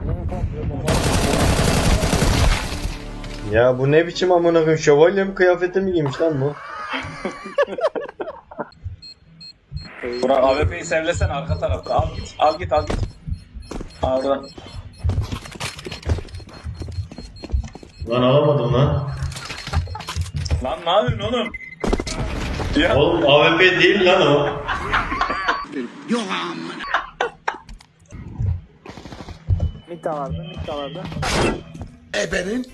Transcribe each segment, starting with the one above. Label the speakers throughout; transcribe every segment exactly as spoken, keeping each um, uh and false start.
Speaker 1: Ya bu ne biçim amına koyayım, şövalye mi kıyafeti mi giymiş lan bu?
Speaker 2: Burak A W P'yi sevlesen arka tarafta. Al git, al git, al git. Al.
Speaker 1: Lan alamadım lan.
Speaker 2: Lan ne yapıyorsun oğlum? Ya.
Speaker 1: Oğlum A W P değil lan o.
Speaker 3: Mikta vardı, mikta vardı.
Speaker 4: Ebenin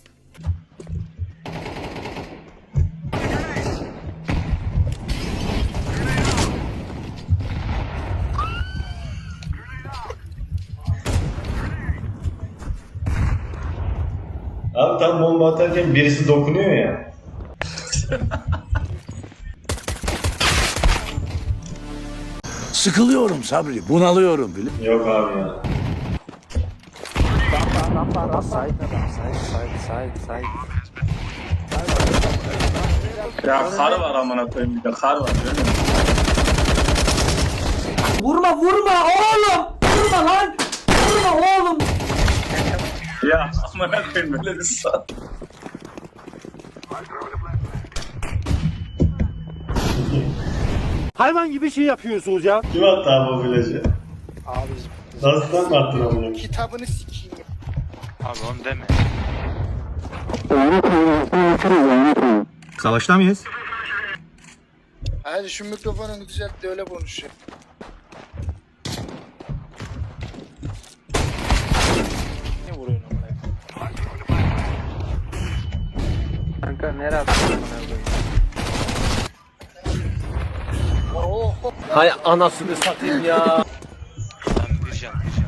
Speaker 1: Abi tam bomba atarken birisi dokunuyor ya.
Speaker 4: sıkılıyorum Sabri, bunalıyorum bile.
Speaker 1: Yok abi ya.
Speaker 3: Rampa, rampa, rampa. Side adam, side, side, side, side.
Speaker 2: Ya kar var amına koyayım bir de kar var görüyor musun?
Speaker 5: Vurma vurma oğlum! Vurma lan! Vurma oğlum!
Speaker 2: Ya amına koyayım böyle bir saat.
Speaker 3: Hayvan gibi şey yapıyorsunuz ya.
Speaker 1: Kim attı abi o flash'ı?
Speaker 3: Abi
Speaker 1: Nasıl mı attın amına koyayım?
Speaker 3: kitabını sikeyim.
Speaker 6: Abi onu deme.
Speaker 1: Savaşta mıyız?
Speaker 3: Hadi şu mikrofonunu düzelt de öyle konuş ya. Ne vuruyorsun amına? Kanka nereye attın amına koyayım? Oh,
Speaker 5: Hay anasını satayım ya.
Speaker 6: Ben bir can bir can.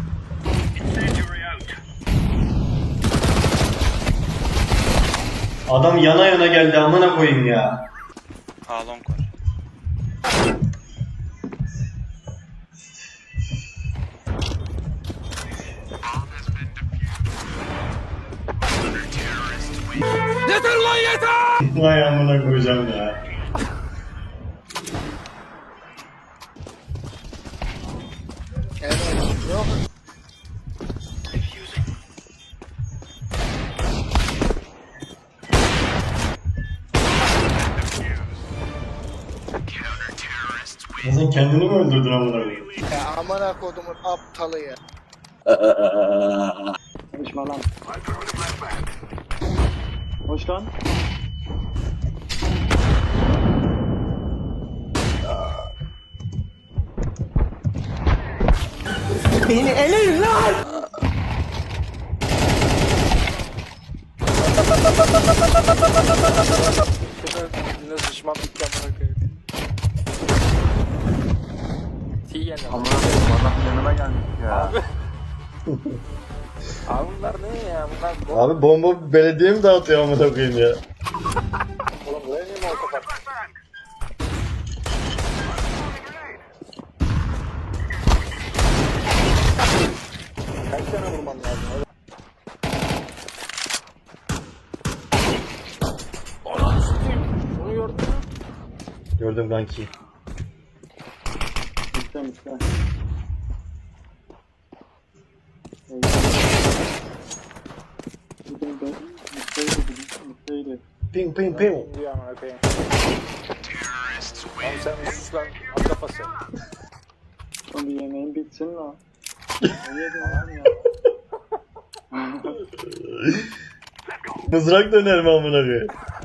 Speaker 1: Adam yana yana geldi amına koyayım ya.
Speaker 6: A long var.
Speaker 1: Vay amına koyacağım ya.
Speaker 3: evet, yok.
Speaker 1: Ya sen kendini mi öldürdün amına koyayım?
Speaker 3: Ya amına kodumun aptalı ya.
Speaker 2: Konuşma lan. Hoş lan.
Speaker 5: Beni eleyin lan!
Speaker 3: Yine sıçmam bitti amına koyayım. Tiyen amına
Speaker 7: Adam yanıma gelmiş ya.
Speaker 3: Abi bunlar ne ya? Bunlar
Speaker 1: Abi bomba belediye mi dağıtıyor amına koyayım ya?
Speaker 3: oğlum buraya niye molotov attın? Kaç tane vurmam lazım? Öyle. Ananı sikeyim. Bunu gördün mü?
Speaker 1: Gördüm kanki.
Speaker 2: Bitti bitti.
Speaker 1: Ping ping ping.
Speaker 3: Diyor amına koyayım. Oğlum sen bir sus lan. At kafası.
Speaker 2: Son bir yemeğin bitsin lan. Ne yedin lan ya?
Speaker 1: Mızrak döner mi amına koyayım?